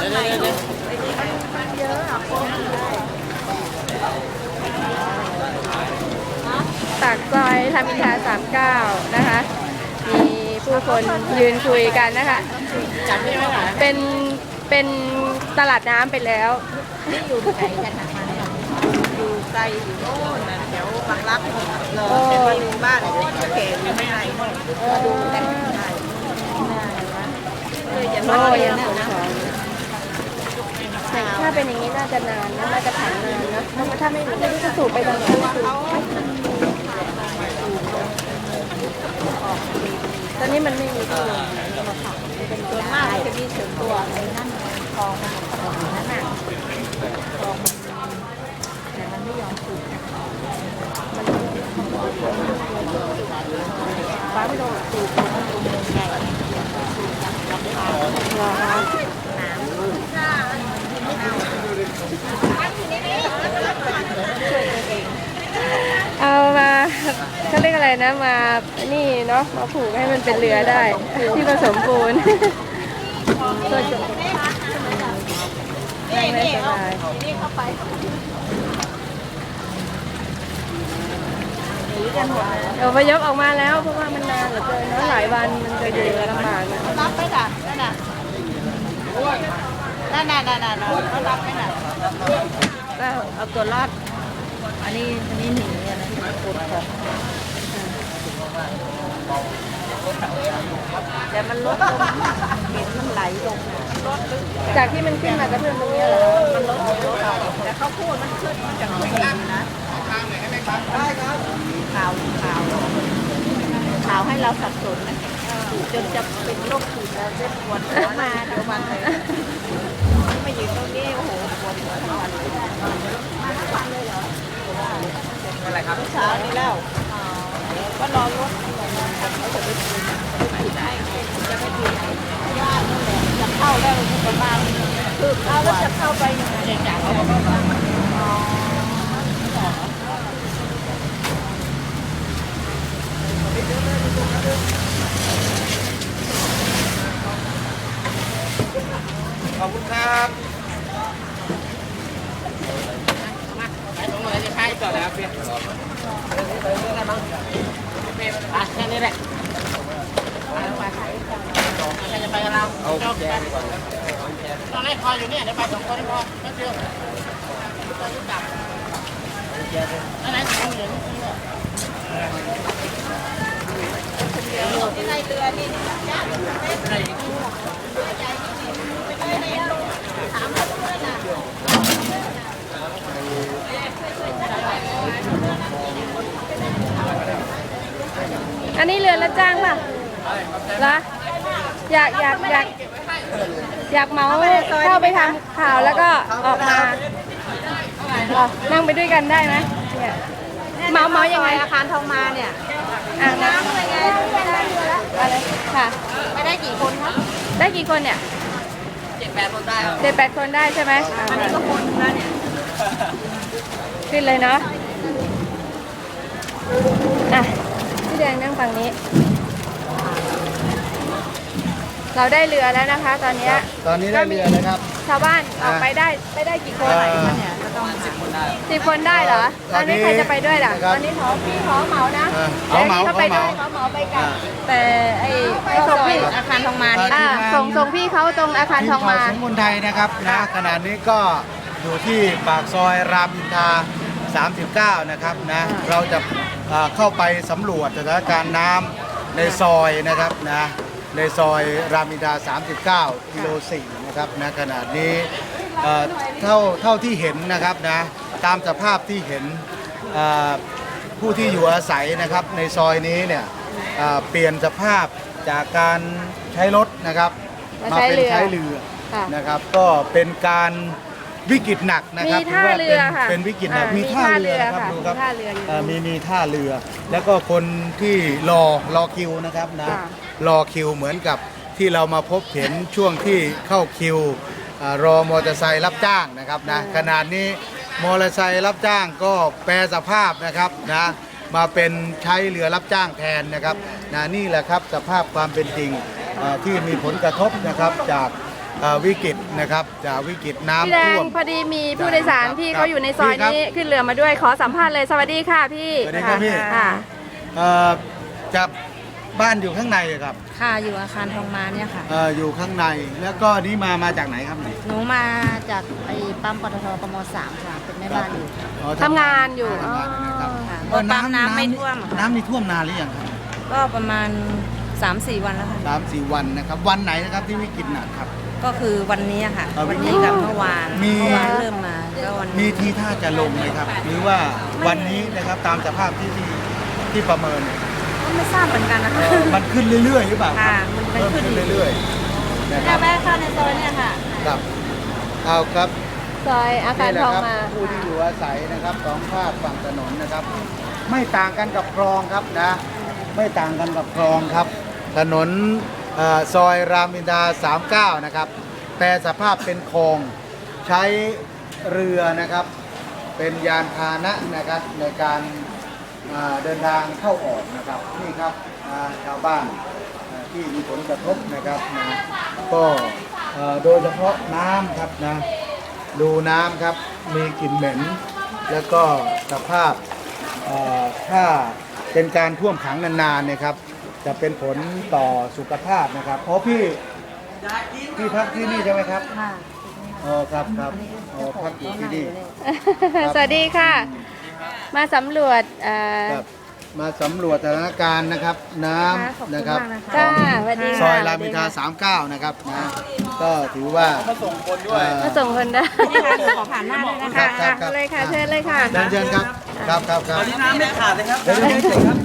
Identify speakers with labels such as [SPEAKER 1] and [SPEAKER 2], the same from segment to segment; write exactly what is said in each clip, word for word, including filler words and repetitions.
[SPEAKER 1] เยอะอ่ะปากซอยรามอินทราสามเก้านะคะมีผู้คนยืนคุยกันนะคะเป็นเป็นตลาดน้ำไปแล้ว
[SPEAKER 2] นี่อยู่ไกลกันนะคะอยู่ไกลอยู่โน่นนะแถวบางรักเลยเป็นมาดูบ้านเลยเก๋อยู่ไม่ไกลมาดูกันได้เลยจะมาเรียนนะ
[SPEAKER 1] แต่ถ้าเป็นอย่างนี้น่าจะนานนะน่าจะผ่านนานนะถ้าไม่ไม่รู้จะสูบไปตรงไหนตอนนี้มันไม่มีตัวมาขับเป็นตัวมากจะมีเสริมตัวในนั่นคลองมันของนั่นน่ะคลองแต่มันไม่ยอมสูบมันฟ้าไม่โดนสูบมันสูบเมืองใหญ่สูบกับราคาเหรอคะเอามาเขาเรียกอะไรนะมานี่เนาะมาผูกให้มันเป็นเรือได้ที่ผสมปูนตัวจบไม่ไม่สบายเอาพยพออกมาแล้วเพราะว่ามันนานเหลือเกินเนาะหลายวันมันจะอยู่ลำบากนะ
[SPEAKER 2] รับไหมล่ะนั่นน่ะนั่นน่ะนั่นน่ะเขารับไหมน่ะก็เอาตัวรอดอันนี้อันนี้หนีอันนั้นปวดของแต่มันลดลงเห็นมันไหลลงลด
[SPEAKER 1] จากที่มันขึ้นมากระเพื่อมตรงนี้เหรอ
[SPEAKER 2] มันลดลดแต่เขาพูดมันขึ้นมาจากตรงนี้นะข่าวข่าวข่าวให้เราสับสนนะจนจะเป็นโรคขืดแล้วเจ็บปวดหัวมาทั้งวันเลยมาอยู่ตรงนี้โอ้โหปวดหัวทั้งวันเลยมาทั้งวันเลยเหรออะไรครับเช้านี้แล้วก็รอรถเขาจะไปถึงได้ไงจะไปถึงไหนญาตินั่นแหละจะเข้าแล้วประมาณคือเข้าแล้วจะเข้าไปยังไงจากเขาบอกว่า
[SPEAKER 3] ขอบคุณครับมาไปตรงไหนจะใช้ต่อแล้วเพียรไปเรื่องอะไรบ้างเพียรไปแค่นี้แหละไปไปใครจะไปกับเราเอาแกดีกว่าตอนแรกคอยอยู่เนี่ยเดี๋ยวไปสองคนพอไม่เชื่อต้องรู้จักนั่นไหนสองเหรียญ
[SPEAKER 2] ที่ในเรือนี่ญาติไม่ได้ถามเขาด้วยนะ
[SPEAKER 1] อันนี้เรือรับจ้างป่ะเหรออยากอยากอยากอยากเมาเข้าไปทำข่าวแล้วก็ออกมานั่งไปด้วยกันได้ไหมเมาเมายังไง
[SPEAKER 2] อาคารทองมาเนี่ย
[SPEAKER 1] อ่างน้ำอะไรไงอะไรค่ะ
[SPEAKER 2] ไม่ได้กี่คนครับ
[SPEAKER 1] ได้กี่คนเนี่ย
[SPEAKER 3] เจ็ดแปดคนได้
[SPEAKER 1] เจ็ดแปดคนได้ใช่ไหม
[SPEAKER 2] อันนี้ก็คนแล้วเนี่ย
[SPEAKER 1] ขึ้นเลยเนาะอ่ะพี่แดงนั่งฝั่งนี้เราได้เรือแล้วนะคะตอนนี้
[SPEAKER 4] ตอนนี้ได้เรือแล้วครับ
[SPEAKER 1] ชาวบ้านออกไปได้ไปได้กี่คน
[SPEAKER 3] เนี่ยก็ต้องสิบคนได้
[SPEAKER 1] สิบคนได้เหรอตอนนี้ใครจะไปด้วยล่ะตอนนี้ขอพี่ขอเหมานะ
[SPEAKER 4] เขาเหมาเขา
[SPEAKER 1] ไป
[SPEAKER 4] เหมา
[SPEAKER 1] เขาเหมาไปกันแต่ไอ้ส่งพี่
[SPEAKER 2] อาคารทองมานี่
[SPEAKER 1] อ่าส่งส่งพี่เขาตรงอาคารทองมา
[SPEAKER 4] สมุนไทยนะครับนะขณะนี้ก็อยู่ที่ปากซอยรามอินทราสามสิบเก้านะครับนะเราจะเข้าไปสำรวจสถานการณ์น้ำในซอยนะครับนะในซอยรามอินทราสามสิบเก้ากิโลสี่นะครับนะขณะนี้เท่าเท่าที่เห็นนะครับนะตามสภาพที่เห็นผู้ที่อยู่อาศัยนะครับในซอยนี้เนี่ยเปลี่ยนสภาพจากการใช้รถนะครับมาเป็นใช้เรือนะครับก็เป็นการวิกฤตหนักนะครับ
[SPEAKER 1] มีท่าเรือค่ะ
[SPEAKER 4] เป็นวิกฤตหนักมีท่าเรือครับดูครับมีมีท่าเรือแล้วก็คนที่รอรอคิวนะครับนะรอคิวเหมือนกับที่เรามาพบเห็นช่วงที่เข้าคิวรอมอเตอร์ไซค์รับจ้างนะครับนะขนาดนี้มอเตอร์ไซค์รับจ้างก็แปรสภาพนะครับนะมาเป็นใช้เรือรับจ้างแทนนะครับนะนี่แหละครับสภาพความเป็นจริงที่มีผลกระทบนะครับจากเอ่อวิกฤตนะครับจากวิกฤตน้ำ
[SPEAKER 1] พี่แดง
[SPEAKER 4] ท่วม
[SPEAKER 1] พอดีมีผู้โดยสารที่
[SPEAKER 4] ครับ
[SPEAKER 1] เขาอยู่ในซอย
[SPEAKER 4] พี่ครับ
[SPEAKER 1] นี้ขึ้นเรือมาด้วยขอสัมภาษณ์เลยสวัสดีค่ะพี่
[SPEAKER 4] สวัสดีครับพี่
[SPEAKER 1] ค่ะ
[SPEAKER 4] เอ่อจากบ้านอยู่ข้างในครับ
[SPEAKER 5] ค่ะอยู่อาคารทองมาเนี่ยค่ะ
[SPEAKER 4] เอ่ออยู่ข้างในแล้วก็นี่มามาจากไหนครับนี่
[SPEAKER 5] หนูมาจากไอ้ปั๊มปตทกมสามค่ะ เป็นแม่บ้านอยู่
[SPEAKER 4] อ๋อ
[SPEAKER 1] ทำงานอยู่
[SPEAKER 4] ทำงานนะครับ
[SPEAKER 5] ค่ะ
[SPEAKER 4] เอ่อ
[SPEAKER 5] ปั๊มน้ำไม่ท่วมอะค่ะ
[SPEAKER 4] น้ำนี่ท่วมนานหรือยังครับ
[SPEAKER 5] ก็ประมาณ สามสี่ วันแล้วค่ะ
[SPEAKER 4] สามสี่วันนะครับวันไหนนะครับที่วิกฤตหนักครับ
[SPEAKER 5] ก็คือวันนี้อะค่ะ
[SPEAKER 4] เอา
[SPEAKER 5] วันนี้กับเมื่อวาน
[SPEAKER 4] มี
[SPEAKER 5] เมื่อวานเริ่มมาก็วัน
[SPEAKER 4] มี
[SPEAKER 5] นี้
[SPEAKER 4] ทีท่าจะลงไหมครับ หรือว่าวันนี้นะครับตามสภาพที่ที่ที่ประเมินเนี่ย
[SPEAKER 5] ก็ไม่ทราบเหมือนกันนะ
[SPEAKER 4] เอ่
[SPEAKER 5] คะ
[SPEAKER 4] อมันขึ้นเรื่อยๆหรือเปล่าครั
[SPEAKER 5] ค่ะ
[SPEAKER 4] บ
[SPEAKER 5] มันเป็น
[SPEAKER 4] เพิ่ม
[SPEAKER 5] ขึ้น
[SPEAKER 4] ขึ้นเรื่อยๆนะค
[SPEAKER 5] แค่
[SPEAKER 4] รับ
[SPEAKER 5] แวะเข้าในซอยเนี่ยค่ะ
[SPEAKER 4] ครับเอาครับ
[SPEAKER 1] ซอยอาคาร
[SPEAKER 4] นี่แหละ
[SPEAKER 1] ทอง
[SPEAKER 4] ครับ
[SPEAKER 1] มา
[SPEAKER 4] ผู้ที่อยู่อาศัยนะครับสองภาคฝั่งถนนนะครับ ไม่ต่างกันกับคลองครับนะไม่ต่างกันกับคลองครับ ถนนเอ่อซอยรามอินทราสามสิบเก้านะครับแต่สภาพเป็นคลองใช้เรือนะครับ เป็นยานพาหนะนะครับในการอ่าเดินทางเข้าออกนะครับนี่ครับอ่าชาวบ้านอ่าที่มีผลกระทบนะครับนะก็เอ่อโดยเฉพาะน้ำครับนะดูน้ำครับมีกลิ่นเหม็น แล้วก็สภาพเอ่อถ้าเป็นการท่วมขังนานๆเนี่ยครับจะเป็นผลต่อสุขภาพนะครับเพราะพี่พี่พักที่นี่ใช่ไหมครับ
[SPEAKER 5] ค่ะ
[SPEAKER 4] อ๋อครับครับอ๋อพักอยู่ที่นี่
[SPEAKER 1] สวัสดีค่ะ มาสำรวจเอ่อ
[SPEAKER 4] ครับมาสำรวจสถานการณ์นะครับน้
[SPEAKER 5] ขอบคุณ
[SPEAKER 4] ำนะครับ
[SPEAKER 5] มากนะคะ
[SPEAKER 1] จ้าสวัสดี
[SPEAKER 4] ซ
[SPEAKER 1] ค่ะ
[SPEAKER 4] อยรามอินทราสามสิบเก้านะครับนะก็ถือว่ามาส่งคนด้วย
[SPEAKER 1] มาส่งคนได้
[SPEAKER 5] นี่ค่ะขอผ่านหน้าด้วยนะ
[SPEAKER 4] ครั
[SPEAKER 5] คะ
[SPEAKER 4] บครับ
[SPEAKER 1] เลยค่ะเชิญเลยค่ะ
[SPEAKER 4] เชิญเชิญครับครับครับครับ
[SPEAKER 3] ตอนนี้น้ำไม่ขาดเลยครับ
[SPEAKER 4] เดี๋ยวเดี๋ยวเดี๋ยวครับ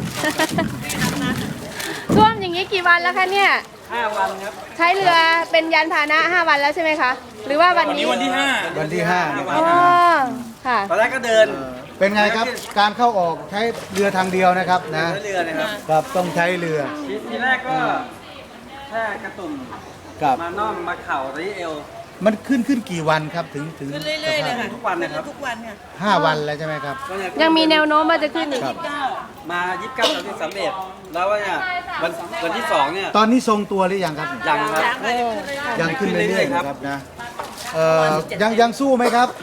[SPEAKER 1] ท่วมอย่างนี้กี่วันแล้วคะเนี่ย
[SPEAKER 3] ห้าวันครับ
[SPEAKER 1] ใช้เรือเป็นยานพาหนะห้าวันแล้วใช่ไหมคะ หรือว่าวันนี้
[SPEAKER 3] วันที่ห้า
[SPEAKER 4] วันที่ห้านะครับ
[SPEAKER 1] อ๋อค่ะ
[SPEAKER 3] ตอนแรกก็เดิน
[SPEAKER 4] เอ่อเป็นไงครับการเข้าออกใช้เรือทางเดียวนะครับนะ
[SPEAKER 3] เรือนะครับ
[SPEAKER 4] ครับต้องใช้เรือ
[SPEAKER 3] ทีทีแรกก็แค่กระตุ่ม
[SPEAKER 4] กับ
[SPEAKER 3] มาน่อมมาเข่ารีเอว
[SPEAKER 4] มันขึ้นขึ้นกี่วันครับถึงถึง
[SPEAKER 5] เรื่อยๆเลยค่ะ
[SPEAKER 3] ทุกวันนะครับ
[SPEAKER 5] ทุกวันค่ะ
[SPEAKER 4] ห้าวันแล้วใช่ไหมครับ
[SPEAKER 3] ก็เย
[SPEAKER 1] ยังมีแนวโน้มว่าจะขึ้นอีก
[SPEAKER 4] ครับ
[SPEAKER 3] มายี่สิบเก้าสามสิบสามเอ็ดแล้วว่าเนี่ยวันวันที่สองเนี่ย
[SPEAKER 4] ตอนนี้ทรงตัวหรือยังครับ
[SPEAKER 3] ยังครับ
[SPEAKER 4] ยังขึ้นเรื่อยๆ
[SPEAKER 3] ครั
[SPEAKER 4] นะ
[SPEAKER 3] บ
[SPEAKER 4] ครับนะเอ่อยังยังสู้ไหมครับ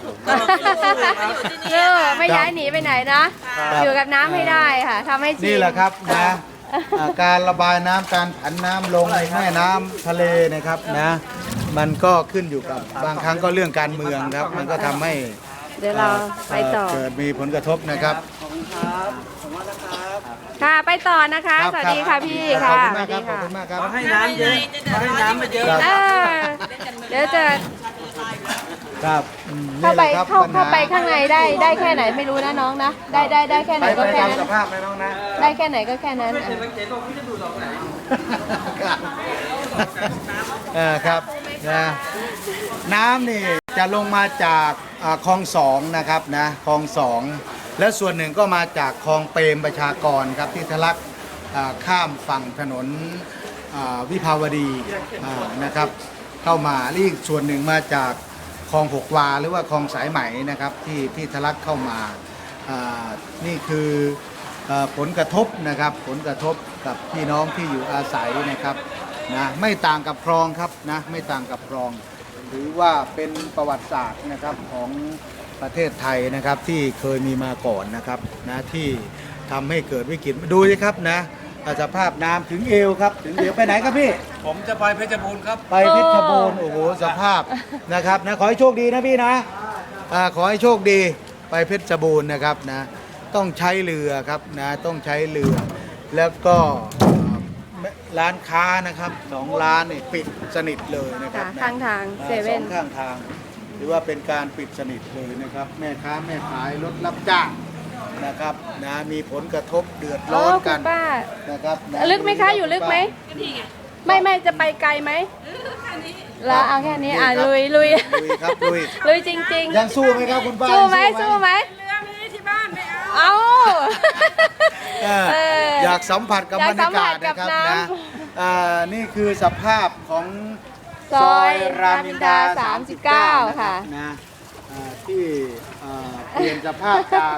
[SPEAKER 1] เออไม่ย้ายหนีไปไหนนะ
[SPEAKER 4] ครับ
[SPEAKER 1] อยู่กับน้ำให้ได้ค่ะทำให้ชิน
[SPEAKER 4] นี่แหละครับนะอ่าการระบายน้ำการผันน้ำลงแม่น้ำทะเลนะครับนะมันก็ขึ้นอยู่กับบางครั้งก็เรื่องการเมืองครับ มันก็ทำให้
[SPEAKER 1] เดี๋ยวเราไปต่อ
[SPEAKER 4] เกิดมีผลกระทบนะครับ
[SPEAKER 3] ขอบคุณครับขอบคุณมากนะครับ
[SPEAKER 1] ค่ะไปต่อนะคะ
[SPEAKER 4] รับ
[SPEAKER 1] สวัสดีค่ะพี่
[SPEAKER 4] ขอ
[SPEAKER 1] ค่ะ
[SPEAKER 4] บคุณมากครับขอบคุณมากครับ
[SPEAKER 3] เขาให้น้ำเยอะเขาให้น้ำมาเยอะ
[SPEAKER 4] ครับ
[SPEAKER 1] เออเดี๋ยวจะ
[SPEAKER 4] ครับอืม
[SPEAKER 1] เข้าไป
[SPEAKER 4] นี่แหละครับ
[SPEAKER 1] เข้า
[SPEAKER 4] ปัญห
[SPEAKER 1] เข้าไปข้างในได้ได้แค่ไหนไม่รู้นะน้องนะ ได้ได้ได้แค่ไห
[SPEAKER 4] ไป
[SPEAKER 1] น
[SPEAKER 4] ไป
[SPEAKER 1] ก็แค่
[SPEAKER 4] ตาม
[SPEAKER 1] นั้น
[SPEAKER 4] สภาพไหมน้องนะ
[SPEAKER 1] ได้แค่ไหนก็แค่นั้น
[SPEAKER 3] ไม่
[SPEAKER 1] อ่ะ
[SPEAKER 3] เห็นเห็นบอกพี่จะดูดออกไหน
[SPEAKER 4] ครับเออครับนะน้ำนี่จะลงมาจากอ่าคลองสองนะครับนะคลองสองและส่วนหนึ่งก็มาจากคลองเปรมประชากรครับที่ทะลักอ่าข้ามฝั่งถนนอ่าวิภาวดีอ่านะครับ เข้ามาอีกส่วนหนึ่งมาจากคลองหกวาหรือว่าคลองสายไหมนะครับที่ที่ทะลักเข้ามาอ่านี่คือเอ่อผลกระทบนะครับผลกระทบกับพี่น้องที่อยู่อาศัยนะครับนะไม่ต่างกับคลองครับนะไม่ต่างกับคลอง ถือว่าเป็นประวัติศาสตร์นะครับของประเทศไทยนะครับที่เคยมีมาก่อนนะครับนะที่ทำให้เกิดวิกฤตดูสิครับนะสภาพน้ำถึงเอวครับถึงเอวไปไหนครับพี่
[SPEAKER 3] ผมจะไปเพชรบูรณ์ครับ
[SPEAKER 4] ไปเพชรบูรณ์โอ้โหสภาพนะครับนะขอให้โชคดีนะพี่นะอ่าขอให้โชคดีไปเพชรบูรณ์นะครับนะต้องใช้เรือครับนะต้องใช้เรือ แล้วก็อ่าร้านค้านะครับสองร้านนี่ปิดสนิทเลยนะครับ
[SPEAKER 1] ค่ะ
[SPEAKER 4] นะ
[SPEAKER 1] ข้างทาง
[SPEAKER 4] อ่า
[SPEAKER 1] เซเว่น
[SPEAKER 4] สองข้างทางหรือว่าเป็นการปิดสนิทเลยนะครับ แม่ค้าแม่ขายรถรับจ้างนะครับนะมีผลกระทบเดือด
[SPEAKER 1] โอ้
[SPEAKER 4] ร้อน
[SPEAKER 1] คุ
[SPEAKER 4] กั
[SPEAKER 1] ณ
[SPEAKER 4] น
[SPEAKER 1] ป้า
[SPEAKER 4] นะครับนะ
[SPEAKER 1] ลึกไหมคะอยู่ลึกไหมไม่ไม่จะไปไกลไหมแล้วเอาแค่นี้อ่ะลุยลุย
[SPEAKER 4] ลุยครับลุย
[SPEAKER 1] ลุยจริง
[SPEAKER 4] ยังสู้ไหมครับคุณป้า
[SPEAKER 1] ๆ สู้ไหม
[SPEAKER 4] ยัง
[SPEAKER 1] สู้ไหมเรือมีที่บ้านไม่เอา
[SPEAKER 4] เออ
[SPEAKER 1] เออ
[SPEAKER 4] อยากสัมผัสกับบ
[SPEAKER 1] อยาร ก
[SPEAKER 4] รรยากาศ
[SPEAKER 1] สัมผัสกับ
[SPEAKER 4] นะครับ
[SPEAKER 1] น้ำ
[SPEAKER 4] นะอ่านี่คือสภาพของ
[SPEAKER 1] ซอยรามอินทราสามสิบเก้า
[SPEAKER 4] นรับ
[SPEAKER 1] ค่ะ
[SPEAKER 4] นะอ่าที่อ่าเปลี่ยนสภาพจาก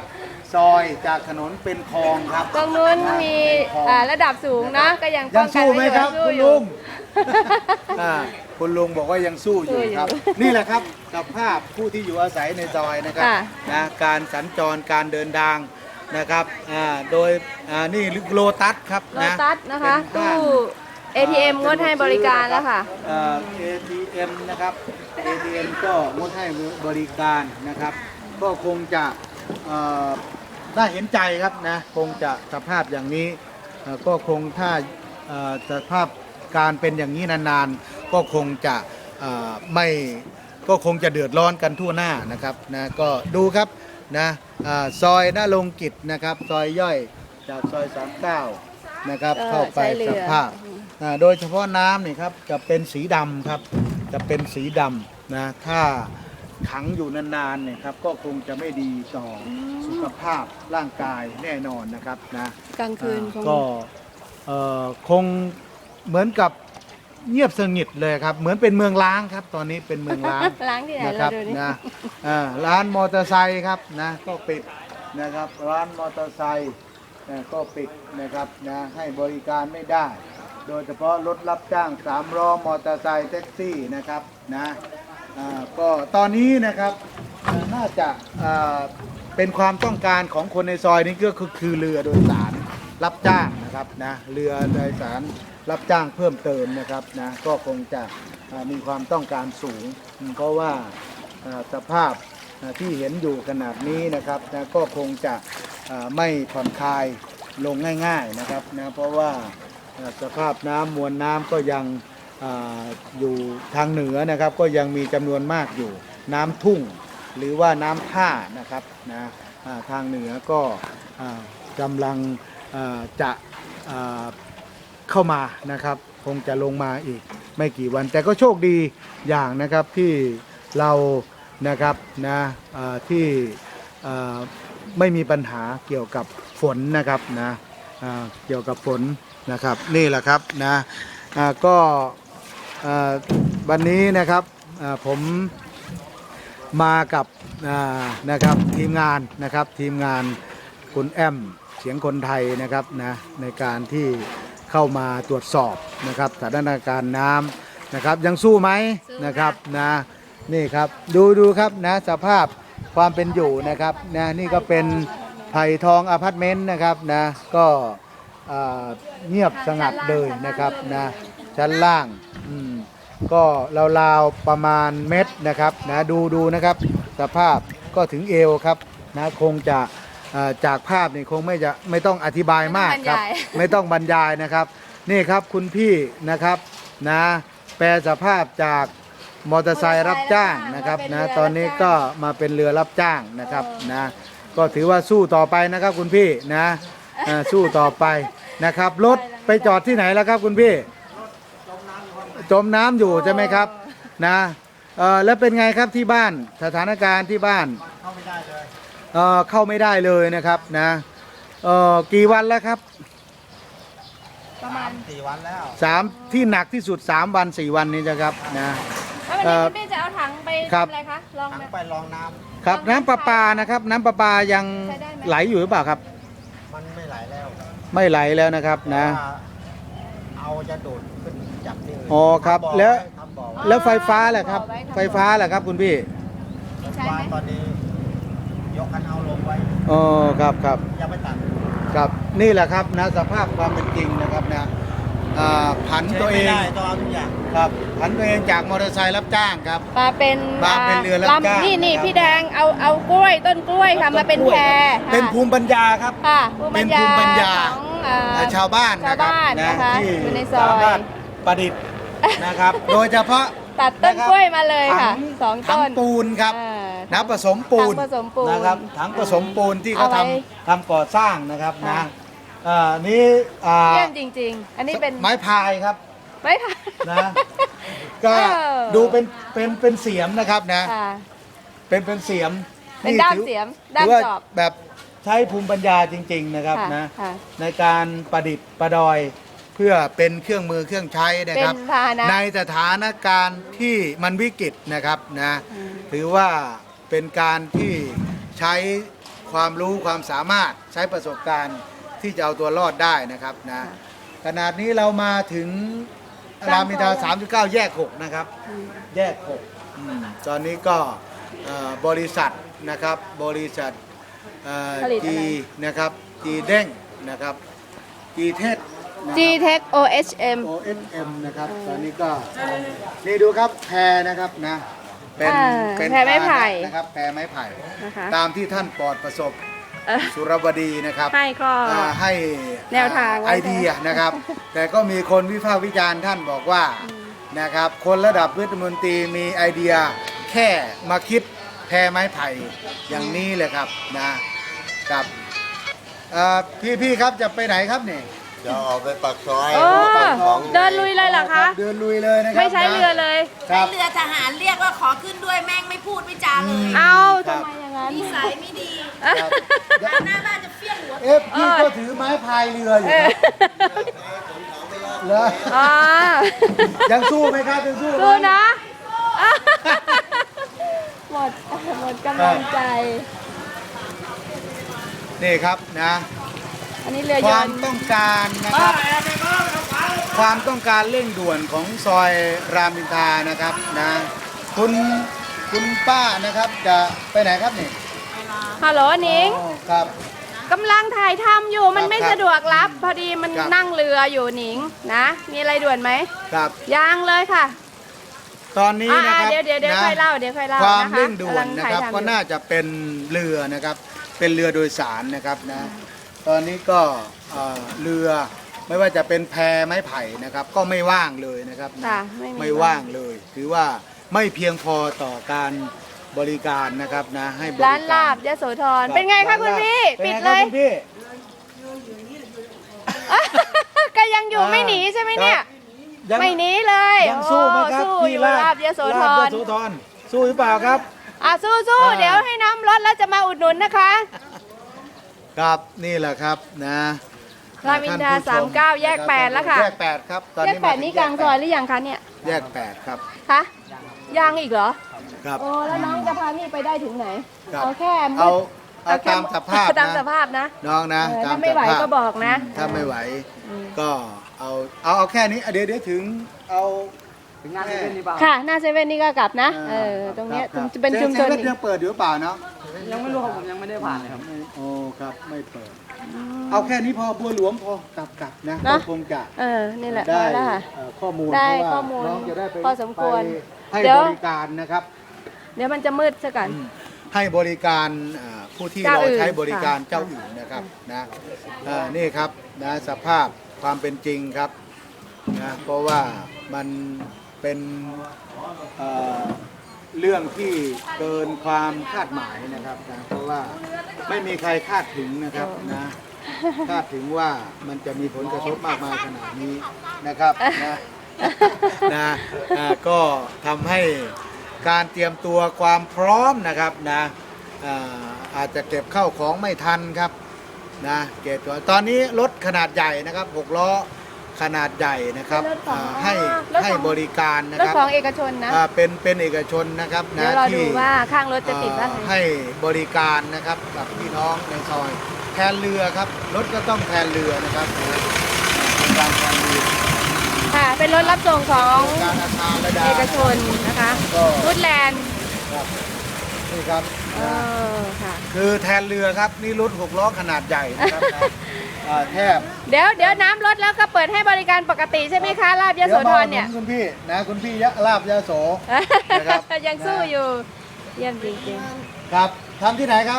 [SPEAKER 4] ซอยจากถนนเป็นคลองครับ
[SPEAKER 1] ตรงนู้นมีอ่าระดับสูงนะก็ยังป้
[SPEAKER 4] ยั
[SPEAKER 1] อง งกัน
[SPEAKER 4] สู้ไหม
[SPEAKER 1] ว้อยู่
[SPEAKER 4] ครับ
[SPEAKER 1] สู้
[SPEAKER 4] คุณ
[SPEAKER 1] อยู่
[SPEAKER 4] ลุง อ่าคุณลุงบอกว่ายังสู้อยู่
[SPEAKER 1] สู้อยู่
[SPEAKER 4] ครับ นี่แหละครับกับภาพผู้ที่อยู่อาศัยในซอยนะครับ
[SPEAKER 1] ค่ะ
[SPEAKER 4] นะการสัญจรการเดินทางนะครับอ่าโดยอ่านี่โลตัสครับ
[SPEAKER 1] โล
[SPEAKER 4] นะ
[SPEAKER 1] ตัสนะคะ
[SPEAKER 4] เป็น
[SPEAKER 1] ตู้
[SPEAKER 4] ห้าง
[SPEAKER 1] เอ ที เอ็ม งดให้บริการแล้วค่ะ
[SPEAKER 4] เอ่อ เอ ที เอ็ม นะครับ เอ ที เอ็ม ก็งดให้บริการนะครับ ก็คงจะเอ่อน่าเห็นใจครับนะคงจะสภาพอย่างนี้เอ่อก็คงถ้าเอ่อสภาพการเป็นอย่างนี้นานๆ ก็คงจะเอ่อไม่ก็คงจะเดือดร้อนกันทั่วหน้านะครับนะก็ดูครับนะอ่าซอยหน้าลงกิจนะครับซอยย่อยจากซอยสามสิบเก้านะครับ
[SPEAKER 1] ก็
[SPEAKER 4] เข้าไป
[SPEAKER 1] ใช้เรือ
[SPEAKER 4] สภาพ อ่าโดยเฉพาะน้ำนี่ครับจะเป็นสีดำครับจะเป็นสีดำนะถ้าขังอยู่นานๆเนี่ยครับก็คงจะไม่ดีต่ออสุขภาพร่างกายแน่นอนนะครับนะ
[SPEAKER 1] กลางคืนค
[SPEAKER 4] อ่าง ก็เอ่อคงเหมือนกับเงียบสงบเลยครับเหมือนเป็นเมืองล้างครับตอนนี้เป็นเมืองล้าง
[SPEAKER 1] ล้างที่ไหน
[SPEAKER 4] นะค
[SPEAKER 1] เรา
[SPEAKER 4] รับ
[SPEAKER 1] ดูนี่
[SPEAKER 4] นะอ่าร้านมอเตอร์ไซค์ครับนะก็ปิดนะครับร้านมอเตอร์ไซค์นะก็ปิดนะครับนะให้บริการไม่ได้ โดยเฉพาะรถรับจ้างสามล้อมอเตอร์ไซค์แท็กซี่นะครับนะอ่าก็ตอนนี้นะครับอ่าน่าจะอ่าเป็นความต้องการของคนในซอยนี้ก็คือคือเรือโดยสารรับจ้างนะครับนะเรือโดยสารรับจ้างเพิ่มเติมนะครับนะก็คงจะอ่ามีความต้องการสูง เพราะว่าอ่าสภาพอ่าที่เห็นอยู่ขนาดนี้นะครับนะก็คงจะอ่าไม่ผ่อนคลายลงง่ายๆนะครับนะเพราะว่า สภาพน้ำมวลน้ำก็ยังอาอยู่ทางเหนือนะครับ ก็ยังมีจำนวนมากอยู่น้ำทุ่ง หรือว่าน้ำท่านะครับนะอ่าทางเหนือก็อ่ากำลังอ่าจะอ่าเข้ามานะครับ คงจะลงมาอีกไม่กี่วัน แต่ก็โชคดีอย่างนะครับที่เรานะครับนะอ่าที่อ่าไม่มีปัญหาเกี่ยวกับฝนนะครับนะอ่าเกี่ยวกับฝน นะครับนี่แหละครับนะอ่าก็อ่าวันนี้นะครับอ่าผมมากับอ่านะครับทีมงานนะครับทีมงานคุณแอมเสียงคนไทยนะครับนะในการที่เข้ามาตรวจสอบนะครับสถานการณ์น้ำนะครับยังสู้ไหมนะครับนะนี่ครับดูดูครับนะสภาพความเป็นอยู่นะครับนะนี่ก็เป็นไผ่ทองอพาร์ตเมนต์นะครับนะก็อ่าเงียบสงัดเลยนะครับนะชั้นล่างอืมก็ราวๆประมาณเม็ดนะครับนะดูดูนะครับสภาพก็ถึงเอวครับนะคงจะอ่าจากภาพนี่คงไม่จะไม่ต้องอธิบายมากครับไม่ต้องบรรยายนะครับนี่ครับคุณพี่นะครับนะแปลสภาพจากมอเตอร์ไซค์รับจ้างนะครับนะตอนนี้ก็มาเป็นเรือรับจ้างนะครับนะก็ถือว่าสู้ต่อไปนะครับคุณพี่นะอ่าสู้ต่อไปนะครับรถไปจอดที่ไหนแล้วครับคุณพี่จมน้ำอยู่ใช่ไหมครับนะเอ่อแล้วเป็นไงครับที่บ้านสถานการณ์ที่บ้านเข้าไม่ได้เลยเอ่อเข้าไม่ได้เลยนะครับนะเอ่อกี่วันแล้วครับ
[SPEAKER 1] ประมาณ
[SPEAKER 3] สี่วันแล้ว
[SPEAKER 4] สามที่หนักที่สุดสามวันสี่วันนี้นะครับนะ
[SPEAKER 1] แล้ววันนี้คุณพี่จะเอาถังไป
[SPEAKER 4] ครับ
[SPEAKER 1] ทำอะไรคะลอง
[SPEAKER 3] ทั้ง
[SPEAKER 1] ไหม
[SPEAKER 3] ไปลองน้
[SPEAKER 4] ครับน้ำประปานะครับน้ำประปายัง
[SPEAKER 1] ใช้ได้ไหม
[SPEAKER 4] ไหลอยู่หรือเปล่าครับ
[SPEAKER 3] ำมันไม่ไหลแล้ว
[SPEAKER 4] ไม่ไหลแล้วนะครับนะ
[SPEAKER 3] ว่าเอาจะดูดขึ้นจากที่อื่น
[SPEAKER 4] อ๋อครับ
[SPEAKER 3] ทำบ่อ
[SPEAKER 4] แล้ว
[SPEAKER 3] ไทำบ่อไว้
[SPEAKER 4] แล้วไฟฟ้าแหละครับ ไฟฟ้าแหละครับคุณพี่
[SPEAKER 1] มีใช้
[SPEAKER 3] ว่า
[SPEAKER 1] ไหม
[SPEAKER 3] ตอนนี้ ยกคันเอาลงไว้
[SPEAKER 4] อ๋อครับครับ
[SPEAKER 3] ยังไม่ตัด
[SPEAKER 4] ครับนี่แหละครับนะสภาพความเป็นจริงนะครับนะอ่าผันตัวเอง
[SPEAKER 3] ใช้ไม่ได้ต้องเอาทุกอย่าง
[SPEAKER 4] ครับผันตัวเองจากมอเตอร์ไซค์รับจ้างครับ
[SPEAKER 1] มาเป็น
[SPEAKER 4] มาเป็นเรือรับจ้าง
[SPEAKER 1] ลำนี่นี่
[SPEAKER 4] นะครับ
[SPEAKER 1] พี่แดงเอาเอากล้วยต้นกล้วยค่ะมาเป็นแพ
[SPEAKER 4] เป็น
[SPEAKER 1] ค่ะ
[SPEAKER 4] ภูมิปัญญาครับ
[SPEAKER 1] ค่ะภูมิปัญญา
[SPEAKER 4] เป็นภูมิปัญญา
[SPEAKER 1] ของเอ่อ
[SPEAKER 4] ชาวบ้านนะครับ
[SPEAKER 1] ชาวบ้านนะคะ
[SPEAKER 4] ที่
[SPEAKER 1] อยู่ในซอย
[SPEAKER 4] สามารถประดิษฐ์นะครับ โดยเฉพาะ
[SPEAKER 1] ตัดต้นกล้วยมาเลย
[SPEAKER 4] ถั
[SPEAKER 1] ค่ะ
[SPEAKER 4] ง
[SPEAKER 1] สอง
[SPEAKER 4] ถั
[SPEAKER 1] ต้
[SPEAKER 4] ง
[SPEAKER 1] น
[SPEAKER 4] ปูนครับ
[SPEAKER 1] อ่า
[SPEAKER 4] น้ำผสมปูน
[SPEAKER 1] ถังผสมปูน
[SPEAKER 4] นะครับถังผสมปูนที่เขา
[SPEAKER 1] เอาไว้
[SPEAKER 4] ทำทำก่อสร้างนะครับนะ
[SPEAKER 1] ค่ะ
[SPEAKER 4] อ่านี่อ่า
[SPEAKER 1] เยี่ยมจริง ๆ อันนี้เป็น
[SPEAKER 4] ไม้พายครับ
[SPEAKER 1] ไม้ค่ะ
[SPEAKER 4] นะก็
[SPEAKER 1] เออ
[SPEAKER 4] ดูเป็นเป็นเป็นเสียมนะครับนะ
[SPEAKER 1] ค่ะ
[SPEAKER 4] เป็นเป็นเสียม
[SPEAKER 1] เป็น
[SPEAKER 4] ที่
[SPEAKER 1] ด้าม
[SPEAKER 4] ถือ
[SPEAKER 1] เสียมด้าม
[SPEAKER 4] ถือว่า
[SPEAKER 1] จอบ
[SPEAKER 4] แบบใช้ภูมิปัญญาจริง ๆนะครับ
[SPEAKER 1] ค่ะ
[SPEAKER 4] นะ
[SPEAKER 1] ค่ะ
[SPEAKER 4] ในการประดิษฐ์ประดอยเพื่อเป็นเครื่องมือเครื่องใช้นะ
[SPEAKER 1] เป็
[SPEAKER 4] ครับ
[SPEAKER 1] นพาหนะ
[SPEAKER 4] ในสถานการณ์ที่มันวิกฤตนะครับนะ
[SPEAKER 1] อืม
[SPEAKER 4] ถือว่าเป็นการที่ใช้คความรู้ความสามารถใช้ประสบการณ์ที่จะเอาตัวรอดได้นะครับนะขนาดนี้เรามาถึงรามอินทราสามสิบเก้าแยกหกนะครับแยกหกอืมตอนนี้ก็เอ่อบริษัทนะครับบริษัทเอ่อ
[SPEAKER 1] ผลิตอะไร
[SPEAKER 4] จีนะครับจีเด้งนะครับจีเทส
[SPEAKER 1] G-Tech โอ เอช เอ็ม
[SPEAKER 4] โอ เอส เอ็ม นะครับตอนนี้ก็นี่ดูครับแพรนะครับนะเป็น
[SPEAKER 1] อ่า
[SPEAKER 4] เป็น
[SPEAKER 1] แพรไม้ไผ่
[SPEAKER 4] นะครับแพรไม้ไผ่
[SPEAKER 1] นะคะ
[SPEAKER 4] ตามที่ท่านปลอดประสบ
[SPEAKER 1] เอ่อ
[SPEAKER 4] สุรบดีนะครับ
[SPEAKER 1] ให้ก็
[SPEAKER 4] อ่าให้
[SPEAKER 1] แนวทางไว้
[SPEAKER 4] ไอเดียนะครับ แต่ก็มีคนวิพากษ์วิจารณ์ท่านบอกว่านะครับคนระดับรัฐมนตรีมีไอเดียแค่มาคิดแพรไม้ไผ่อย่างนี้เลยครับนะครับเอ่อพี่ๆครับจะไปไหนครับเนี่ย
[SPEAKER 6] จะออกไปปากซอย
[SPEAKER 1] โอ้
[SPEAKER 6] ปากของ
[SPEAKER 1] เดินลุยเลยเหรอคะ
[SPEAKER 4] เดินลุยเลยนะครับ
[SPEAKER 1] ไม่ใช้เรือเลย
[SPEAKER 4] ครับ
[SPEAKER 2] เรือทหารเรียกว่าขอขึ้นด้วยแม่งไม่พูดไม่จาเลย
[SPEAKER 1] เอา
[SPEAKER 4] ครั
[SPEAKER 1] ทำ
[SPEAKER 4] บ
[SPEAKER 1] ไมอย่างนั้น
[SPEAKER 2] นิสัยไม่ดี
[SPEAKER 4] ครับ
[SPEAKER 2] หน้าบ้านจะเฟี้ยงหัว
[SPEAKER 4] เอ๊ะพี่ก็ถือไม้พายเรืออยู่
[SPEAKER 1] เอ
[SPEAKER 4] ค
[SPEAKER 1] อ
[SPEAKER 4] รับเหรอ
[SPEAKER 1] อ๋อ
[SPEAKER 4] ยังสู้ไหมครับยังสู้ไหม
[SPEAKER 1] สู้นะ หมดหมดกำลังใจ
[SPEAKER 4] นี่ครับนะ
[SPEAKER 1] อันนี้เรือย
[SPEAKER 4] ความ
[SPEAKER 1] นต์
[SPEAKER 4] ต้องการนะครับ ความต้องการเร่งด่วนของซอยรามอินทรานะครับนะคุณคุณป้านะครับจะไปไหนครับนี่
[SPEAKER 1] ฮัลโหลหนิง
[SPEAKER 4] อ๋อครับ
[SPEAKER 1] กำลังถ่ายทำอยู่มันไม่
[SPEAKER 4] ครับ
[SPEAKER 1] สะดวกรับ พอดีมัน
[SPEAKER 4] ครับ
[SPEAKER 1] นั่งเรืออยู่หนิงนะ มีอะไรด่วนไหม
[SPEAKER 4] ครับ
[SPEAKER 1] ยังเลยค่ะ
[SPEAKER 4] ตอนนี้
[SPEAKER 1] อ่า
[SPEAKER 4] นะครับ
[SPEAKER 1] เดี๋ยวเดี๋ยวเดี๋ยว
[SPEAKER 4] นะ
[SPEAKER 1] ค่อยเล่าเดี๋ยวค่อยเล่า
[SPEAKER 4] ความ
[SPEAKER 1] นะคะ
[SPEAKER 4] เร่งด่วนนะ
[SPEAKER 1] กำลังถ่าย
[SPEAKER 4] ครับ
[SPEAKER 1] ทำอยู่
[SPEAKER 4] ก็น่าจะเป็นเรือนะครับเป็นเรือโดยสารนะครับนะตอนนี้ก็เอ่อเรือไม่ว่าจะเป็นแพไม้ไผ่นะครับ ก็ไม่ว่างเลยนะครับนะ
[SPEAKER 1] ค่ะไม่มี
[SPEAKER 4] ไม่ว่างเลย ถือว่าไม่เพียงพอต่อการบริการนะครับนะให้บริการ
[SPEAKER 1] ร้านลาบยโสธรเป็นไงคะคุณพี่
[SPEAKER 4] เป็น
[SPEAKER 1] ปิด
[SPEAKER 4] ไง
[SPEAKER 1] เล
[SPEAKER 4] ครับ
[SPEAKER 1] ย
[SPEAKER 4] คุณพี่
[SPEAKER 1] ก็ยังอยู่ไม่หนีใช่ไหมเนี่ย
[SPEAKER 4] ยัง
[SPEAKER 1] ไม่หนีเลย
[SPEAKER 4] ยังสู้ไหมครับ
[SPEAKER 1] โอ้สู้
[SPEAKER 4] ที่
[SPEAKER 1] อยู่
[SPEAKER 4] ลา
[SPEAKER 1] ลา
[SPEAKER 4] บบ
[SPEAKER 1] ยโสธ
[SPEAKER 4] ลาบ
[SPEAKER 1] ร
[SPEAKER 4] ยโสธรสู้หรือเปล่าครับ
[SPEAKER 1] อ่ะสู้สู้
[SPEAKER 4] อ่า
[SPEAKER 1] เดี๋ยวให้น้ำลดแล้วจะมาอุดหนุนนะคะ
[SPEAKER 4] ครับนี่แหละครับนะ
[SPEAKER 1] รามอินทรา
[SPEAKER 4] ท่ผู้ช
[SPEAKER 1] สามแยก
[SPEAKER 4] นะครับ
[SPEAKER 1] แปดแล้วค่ะ
[SPEAKER 4] แยกแปดครับตอน
[SPEAKER 1] แยก
[SPEAKER 4] นี้
[SPEAKER 1] แปด
[SPEAKER 4] มถึ
[SPEAKER 1] นี้กลางซอยหรือยังคะเนี่ย
[SPEAKER 4] แยกแปดครับ
[SPEAKER 1] คะยังอีกเหรอ
[SPEAKER 4] ครับ
[SPEAKER 1] โอ้แล้วน้องจะพาพี่ไปได้ถึงไหน
[SPEAKER 4] ครับ
[SPEAKER 1] เอาแค่มืด
[SPEAKER 4] เอาเอา
[SPEAKER 1] แค่
[SPEAKER 4] ตามสภาพ
[SPEAKER 1] ตามส
[SPEAKER 4] นะ
[SPEAKER 1] ภาพนะ
[SPEAKER 4] น้องนะ
[SPEAKER 1] เออ
[SPEAKER 4] ต
[SPEAKER 1] ถ้าไม่ไหว
[SPEAKER 4] สภพ
[SPEAKER 1] ก็บอกนะ
[SPEAKER 4] ถ้าไม่ไหวก็เอาเอาเอาแค่นี้อ่ะเดี๋ยวเดี๋ยวถึงเอาถึงหน้าเซเว่นนี่เปล่า
[SPEAKER 1] ค่ะ หน้าเซเว่นนี่ก็กลับนะ เออ ตรงเนี้ยจะเป็นชุมชน
[SPEAKER 4] เซเว่น
[SPEAKER 1] อีก
[SPEAKER 4] ยังเปิดอยู่หรือเปล่าเนาะ
[SPEAKER 3] ยังไม่รู้ครับผมยังไม่ได้ผ่านเลยครับ
[SPEAKER 4] ไม่โอ้ครับไม่เปิด เอาแค่นี้พอบัวหลวงพอกลับกลับนะ
[SPEAKER 1] เนอะ
[SPEAKER 4] ก็คงจะ
[SPEAKER 1] เออ นี่แหละพ
[SPEAKER 4] ได้
[SPEAKER 1] อแล้วค่ะ
[SPEAKER 4] เอ่อข้อมูล
[SPEAKER 1] ได้
[SPEAKER 4] เพราะว่า
[SPEAKER 1] ข้อมูล
[SPEAKER 4] น้องจะได้ไป
[SPEAKER 1] พอสมควร
[SPEAKER 4] ไปให้
[SPEAKER 1] เดี๋ยว
[SPEAKER 4] บริการนะครับ
[SPEAKER 1] เดี๋ยวมันจะมืดซะก่อน
[SPEAKER 4] อืมให้บริการอ่าผู้ที่
[SPEAKER 1] เจ้า
[SPEAKER 4] เรา
[SPEAKER 1] อื่น
[SPEAKER 4] ใช้บริการ
[SPEAKER 1] ค่ะ
[SPEAKER 4] เจ้าอื่นนะครับนะอ่านี่ครับนะสภาพความเป็นจริงครับนะเพราะว่ามันเป็นเอ่อเรื่องที่เกินความคาดหมายนะครับนะเพราะว่าไม่มีใครคาดถึงนะครับนะคาดถึงว่ามันจะมีผลกระทบมากมายขนาดนี้นะครับนะนะอ่าก็ทำให้การเตรียมตัวความพร้อมนะครับนะอ่าอาจจะเก็บเข้าของไม่ทันครับนะเก็บตัวตอนนี้รถขนาดใหญ่นะครับหกล้อขนาดใหญ่นะครับ
[SPEAKER 1] รถของ
[SPEAKER 4] อ่าให้
[SPEAKER 1] รถของ
[SPEAKER 4] ให้บริการนะ
[SPEAKER 1] รถ
[SPEAKER 4] ครับ
[SPEAKER 1] ของเอกชนนะ
[SPEAKER 4] อ่าเป็นเป็นเอกชนนะครับ
[SPEAKER 1] เดี๋ย
[SPEAKER 4] นะ
[SPEAKER 1] วรอดู
[SPEAKER 4] ที่
[SPEAKER 1] ว่าข้างรถจะติดว่า
[SPEAKER 4] เอ่อให้บริการนะครับกับพี่น้องในซอยแทนเรือครับรถก็ต้องแทนเรือนะครับเป็นการแทนเรือ
[SPEAKER 1] ค่ะ เป็นรถรับส่งของ
[SPEAKER 4] การอาคารระดา
[SPEAKER 1] เอกชนนะคะ
[SPEAKER 4] ก็
[SPEAKER 1] ฟูดแลนด์
[SPEAKER 4] ครับนี่ครับ
[SPEAKER 1] เออค่ะ
[SPEAKER 4] คือแทนเรือครับนี่รถหกล้อขนาดใหญ่นะครับนะอ่าแทบ
[SPEAKER 1] เดี๋ยวเดี๋ยวน้ำลดแล้วก็เปิดให้บริการปกติใช่ไหมคะลาบยโสธรเนี่ย
[SPEAKER 4] ดี๋วมาอุดหคุณพี่นะคุณพี่ยะลาบยะโส นะครับ
[SPEAKER 1] ยังสู้อยู่ เยี่ยมจริง
[SPEAKER 4] ครับทำที่ไหนครับ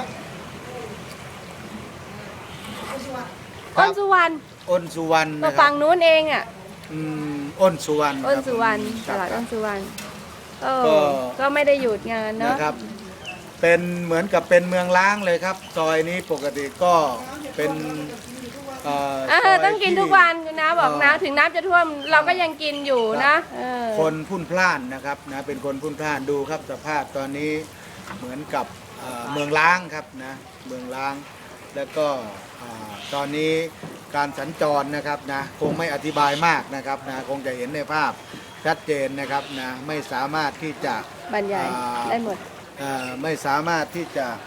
[SPEAKER 1] ๆอ้นสุวรรณ
[SPEAKER 4] อ้นสุวรรณ
[SPEAKER 1] ก็
[SPEAKER 4] นะครั
[SPEAKER 1] ฝั่
[SPEAKER 4] บ
[SPEAKER 1] งนู้นเองอ่ะ
[SPEAKER 4] อืมอ้นสุวรรณ
[SPEAKER 1] อ้นสุวรรณ
[SPEAKER 4] ค
[SPEAKER 1] ต
[SPEAKER 4] บ
[SPEAKER 1] ลาดอ้นสุวรรณเอ
[SPEAKER 4] ก็
[SPEAKER 1] อก็ไม่ได้หยุดงานเนาะ
[SPEAKER 4] นะครับ เป็นเหมือนกับเป็นเมืองล้างเลยครับ ซอยนี้ปกติก็เป็นเอ่อ
[SPEAKER 1] อ่า
[SPEAKER 4] ซย
[SPEAKER 1] ต้องกิน
[SPEAKER 4] ที่
[SPEAKER 1] ทุกวันคุณนะบอกนะ
[SPEAKER 4] เอ่อ
[SPEAKER 1] ถึงน้ำจะท่วมเราก็ยังกินอยู่นะเออ
[SPEAKER 4] คนพุ่นพล่านนะครับนะเป็นคนพุ่นพล่านดูครับสภาพตอนนี้เหมือนกับเอ่อเมืองล้างครับนะเมืองล้าง แล้วก็อ่าตอนนี้การสัญจรนะครับนะคงไม่อธิบายมากนะครับนะคงจะเห็นในภาพชัดเจนนะครับนะไม่สามารถที่จะ
[SPEAKER 1] บรรยาย
[SPEAKER 4] อ่า
[SPEAKER 1] ได้หมด
[SPEAKER 4] เอ่อไม่สามารถที่จะ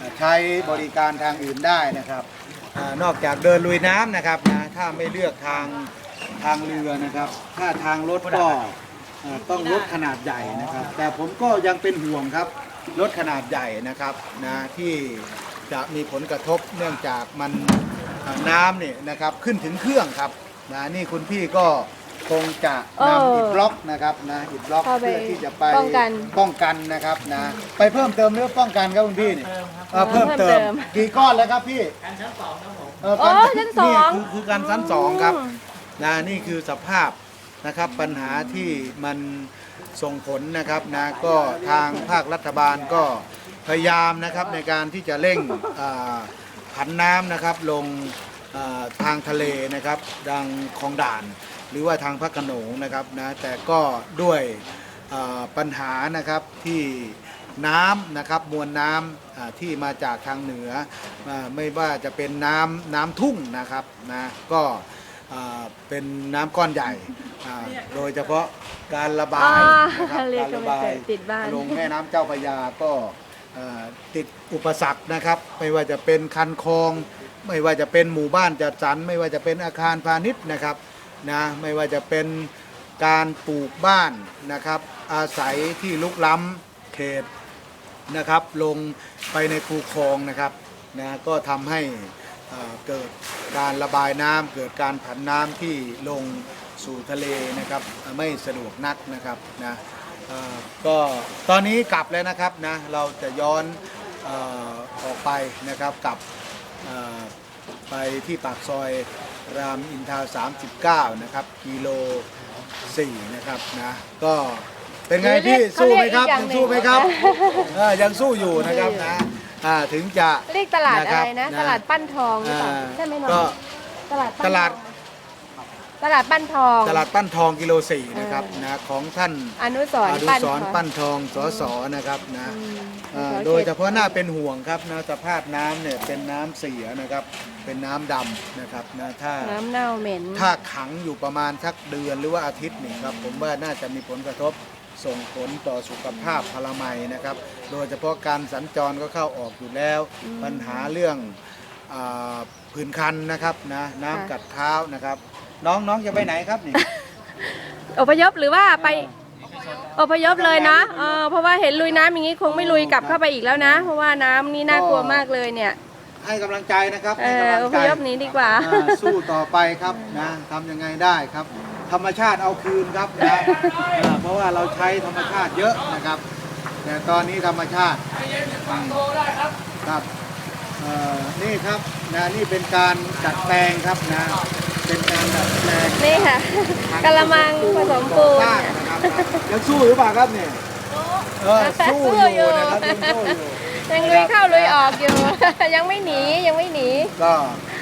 [SPEAKER 4] ใช้บริการทางอื่นได้นะครับอานอกจากเดินลุยน้ำนะครับนะถ้าไม่เลือกทางทางเรือนะครับ ถ้าทางรถก็เอ่อต้องรถขนาดใหญ่นะครับ แต่ผมก็ยังเป็นห่วงครับรถขนาดใหญ่นะครับนะที่จะมีผลกระทบเนื่องจากมันเอ่อน้ำเนี่ยนะครับขึ้นถึงเครื่องครับนะนี่คุณพี่ก็คงจะ
[SPEAKER 1] เออน
[SPEAKER 4] ำอิฐบล็อกนะครับนะอิฐบล็อก
[SPEAKER 1] เข้าไป
[SPEAKER 4] เพื่อที่จะไป
[SPEAKER 1] ป้องกัน
[SPEAKER 4] ป้องกันนะครับนะไปเพิ่มเติมหรือป้องกันครับคุณพี่เนี่ยเอ่อเพิ่มเติม
[SPEAKER 1] เพิ่มเติม
[SPEAKER 4] กี่ก้อนแล้วครับพี่กันชั้นสองครับผมเออกัน
[SPEAKER 1] โอ้ชั้นสอง
[SPEAKER 4] นี่คือคือการชั้นสองครับนะนี่คือสภาพนะครับปัญหาที่มันส่งผลนะครับนะก็ทางภาครัฐบาลก็พยายามนะครับในการที่จะเร่งอ่าผันน้ำนะครับลงอ่าทางทะเลนะครับดังคลองด่าน หรือว่าทางพระโขนงนะครับนะแต่ก็ด้วยอ่าปัญหานะครับที่น้ำนะครับมวลน้ำอ่าที่มาจากทางเหนืออ่าไม่ว่าจะเป็นน้ำน้ำทุ่งนะครับนะก็อ่าเป็นน้ำก้อนใหญ่อ่าโดยเฉพาะการระบาย
[SPEAKER 1] อ่า
[SPEAKER 4] นะครับ
[SPEAKER 1] เรียก
[SPEAKER 4] การ
[SPEAKER 1] ก็
[SPEAKER 4] ระ
[SPEAKER 1] ไม่
[SPEAKER 4] บา
[SPEAKER 1] เค
[SPEAKER 4] ย
[SPEAKER 1] ยติดบ้าน
[SPEAKER 4] ลงแม่น้ำเจ้าพระยาก็เอ่อติดอุปสรรคนะครับ ไม่ว่าจะเป็นคันคลอง ไม่ว่าจะเป็นหมู่บ้านจัดสรรไม่ว่าจะเป็นอาคารพาณิชย์นะครับนะไม่ว่าจะเป็นการปลูกบ้านนะครับ อาศัยที่ลุกล้ำเขตนะครับ ลงไปในคูคลองนะครับนะก็ทำให้เอ่อเกิดการระบายน้ำเกิดการผันน้ำที่ลงสู่ทะเลนะครับไม่สะดวกนักนะครับนะเอ่อก็ตอนนี้กลับแล้วนะครับนะเราจะย้อนเอ่อออกไปนะครับกลับเอ่อไปที่ปากซอยรามอินทราสามสิบเก้านะครับกิโลสี่นะครับนะก็เป็นไงพี่
[SPEAKER 1] เขา
[SPEAKER 4] สู้
[SPEAKER 1] เรียก
[SPEAKER 4] ไหมครับ
[SPEAKER 1] อีกอย่าง
[SPEAKER 4] ยัง
[SPEAKER 1] หนึ่ง
[SPEAKER 4] สู้ไหมครับเออยังสู้อยู่นะครับนะอ่าถึงจะ
[SPEAKER 1] เรียกตลาดอะไรนะ
[SPEAKER 4] นะครับ
[SPEAKER 1] ตลาดปั้นทองหรือเปล่า
[SPEAKER 4] อ่า
[SPEAKER 1] ใช่ไหมน้อง
[SPEAKER 4] ก็
[SPEAKER 1] ตลาดปั้น
[SPEAKER 4] ตลาด
[SPEAKER 1] ทองตลาดปั้นทอง
[SPEAKER 4] ตลาดปั้นทองกิโลสี่นะครับนะของท่าน
[SPEAKER 1] อนุสร
[SPEAKER 4] อ
[SPEAKER 1] ณ์
[SPEAKER 4] นุ
[SPEAKER 1] ปั้น
[SPEAKER 4] สรณ์
[SPEAKER 1] ทอง
[SPEAKER 4] ปั้นทองสสนะครับนะ
[SPEAKER 1] อืม
[SPEAKER 4] เอ่อ
[SPEAKER 1] สส
[SPEAKER 4] โดยเฉพาะหน้าเป็นห่วงครับนะสภาพน้ำเนี่ยเป็นน้ำเสียนะครับ เป็นน้ำดำนะครับนะถ้า
[SPEAKER 1] น้ำเน่าเหม็น
[SPEAKER 4] ถ้าขังอยู่ประมาณสักเดือนหรือว่าอาทิตย์หนึ่งครับผมว่าน่าจะมีผลกระทบส่งผลต่อสุขภาพพลามัยนะครับ โดยเฉพาะการสัญจรก็เข้าออกอยู่แล้ว ปัญหาเรื่องอาผื่นคันนะครับนะน้ำกัดเท้านะครับ น้องน้องจะไปไหนครับนี่
[SPEAKER 1] อพยพหรือว่าไปอพยพเลยนะเออเพราะว่าเห็นลุยน้ำอย่างนี้คงไม่ลุยกลับเข้าไปอีกแล้วนะ เพราะว่าน้ำนี่น่ากลัวมากเลยเนี่ย
[SPEAKER 4] ให้กำลังใจนะครับ
[SPEAKER 1] เอ
[SPEAKER 4] ให้
[SPEAKER 1] อก
[SPEAKER 4] ำลั
[SPEAKER 1] อง พ
[SPEAKER 4] ใจ
[SPEAKER 1] ยพหนี้ดีกว่า
[SPEAKER 4] อ่าสู้ต่อไปครับนะทำยังไงได้ครับ ธรรมชาติเอาคืนครับนะอ่าเพราะว่าเราใช้ธรรมชาติเยอะนะครับ แต่ตอนนี้ธรรมชาติครับเอ่อนี่ครับนะนี่เป็นการดัดแปลงครับนะเป็นการดัดแปลง
[SPEAKER 1] นี่ค่ะกะละมังผสมปูน
[SPEAKER 4] บ้านนะครับยังสู้หรือเปล่าครับเนี่ยเออสู้อยู่นะครับยังสู้อยู่
[SPEAKER 1] ยังลุยเข้าลุยออกอยู่ ยังไม่หนียังไม่หนี
[SPEAKER 4] ก็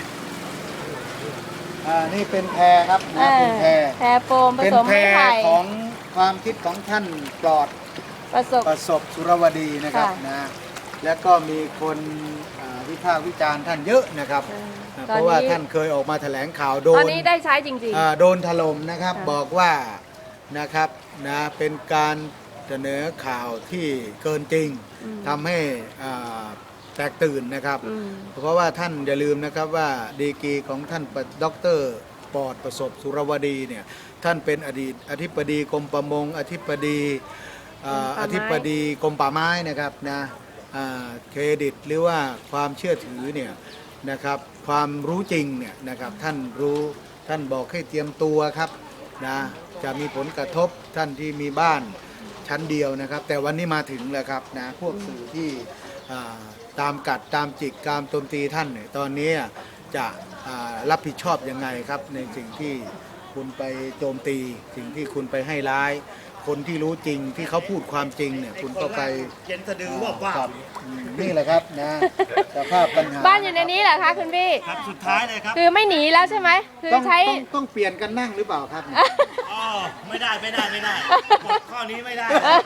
[SPEAKER 4] อ่านี่เป็นแพรครับ
[SPEAKER 1] เอ
[SPEAKER 4] นะ
[SPEAKER 1] อ
[SPEAKER 4] เป็นแพร
[SPEAKER 1] แพรโฟมผ
[SPEAKER 4] เป็น
[SPEAKER 1] สม
[SPEAKER 4] แพร
[SPEAKER 1] ไม้ไผ่
[SPEAKER 4] ของความคิดของท่านปลอด
[SPEAKER 1] ประสบ
[SPEAKER 4] ประสบสุรวดีนะครับ
[SPEAKER 1] ค่ะ
[SPEAKER 4] นะแล้วก็มีคนอ่าวิพากษ์วิจารณ์ท่านเยอะนะครับ
[SPEAKER 1] เออ
[SPEAKER 4] นะ
[SPEAKER 1] ตอนนี้
[SPEAKER 4] เพราะว่าท่านเคยออกมาแถลงข่าวโด
[SPEAKER 1] ตอน
[SPEAKER 4] น
[SPEAKER 1] นี้ได้ใช้จริง
[SPEAKER 4] อ่าโดนถล่มนะครับ
[SPEAKER 1] ค่ะ
[SPEAKER 4] บอกว่านะครับนะเป็นการเสนอข่าวที่เกินจริง
[SPEAKER 1] อืม
[SPEAKER 4] ทำให้อ่าแตกตื่นนะครับ
[SPEAKER 1] ๆอืม
[SPEAKER 4] เพราะว่าท่านอย่าลืมนะครับว่าดีกรีของท่านด็อกเตอร์ปอดประสบสุรวดีเนี่ยท่านเป็นอดีตอธิบดีกรมประมงอธิบดีอ่าอธิบดีกรมป่าไม้นะครับนะอ่าเครดิตหรือว่าความเชื่อถือเนี่ยนะครับความรู้จริงเนี่ยนะครับท่านรู้ท่านบอกให้เตรียมตัวครับนะจะมีผลกระทบท่านที่มีบ้านชั้นเดียวนะครับ แต่วันนี้มาถึงแล้วครับนะพวกสื่อที่อ่าตามกัดตามจิกตามโจมตีท่านเนี่ยตอนนี้จะอ่ารับผิดชอบยังไงครับในสิ่งที่คุณไปโจมตีสิ่งที่คุณไปให้ร้าย คนที่รู้จริงที่เขาพูดความจริงเนี่ยคุณก็ไปเย็นสะดือว่าว่านี่แหละครับนะสภาพปัญหา
[SPEAKER 1] บ้านอยู่ในนี้เหรอคะคุณพี่
[SPEAKER 6] ครับสุดท้ายเลยครับ
[SPEAKER 1] คือไม่หนีแล้วใช่ไหมคือ
[SPEAKER 4] ต้อง
[SPEAKER 1] ใช้
[SPEAKER 4] ต้องต้องเปลี่ยนกันนั่งหรือเปล่าครับ
[SPEAKER 6] อ๋อ ไม่ได้ไม่ได้ไม่ได้กฎข้อนี้ไม่ได้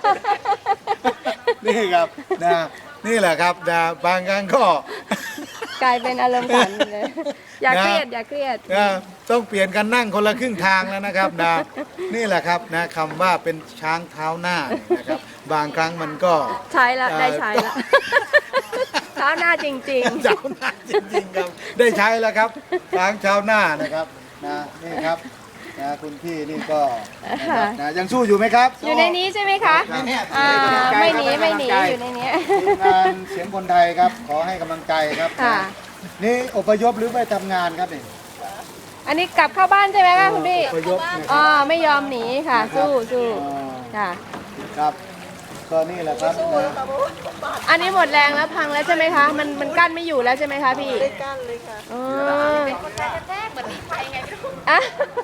[SPEAKER 4] นี่ครับนะนี่แหละครับนะบางครั้งก็
[SPEAKER 1] กลายเป็นอารมณ์ขันเลย อย่าเครียด
[SPEAKER 4] นะ
[SPEAKER 1] อย่าเครียด
[SPEAKER 4] นะต้องเปลี่ยนกันนั่งคนละครึ่งทางแล้วนะครับนะนี่แหละครับนะคำว่าเป็นช้างเท้าหน้าเนี่ยนะครับบางครั้งมันก็
[SPEAKER 1] ใช้ละ
[SPEAKER 4] เอ่อ
[SPEAKER 1] ได้ใช้ละเช้าหน้าจริง
[SPEAKER 4] เช้าหน้าจริงๆครับได้ใช้แล้วครับทางเช้าหน้านะครับนะนี่ครับนะคุณพี่นี่ก็นะครับนะยังสู้อยู่ไหมครับ
[SPEAKER 1] ๆ อยู่ในนี้ใช่ไหมคะอ่าไม่หนีไม่หนีอยู่ในนี้
[SPEAKER 4] ทีมงานเสียงคนไทยครับ ขอให้กำลังใจครับ
[SPEAKER 1] ค่ะ
[SPEAKER 4] นี่อพยพหรือไปทำงานครับนี่
[SPEAKER 1] อันนี้กลับเข้าบ้านใช่ไหมคะคุณพี่
[SPEAKER 4] อพยพนะค
[SPEAKER 1] อ๋อ
[SPEAKER 4] รับ
[SPEAKER 1] ไม่ยอมหนีค่ะ สู้สู้
[SPEAKER 4] อ๋อ
[SPEAKER 1] ค่ะ
[SPEAKER 4] ครับก็นี่แหละครับนะ
[SPEAKER 1] อันนี้หมดแรงแล้วพังแล้วใช่ไหมคะ มันมันกั้นไม่อยู่แล้วใช่ไหมคะพี่
[SPEAKER 2] ได้กั้นเลยค่ะ
[SPEAKER 1] อ๋ออ่ะ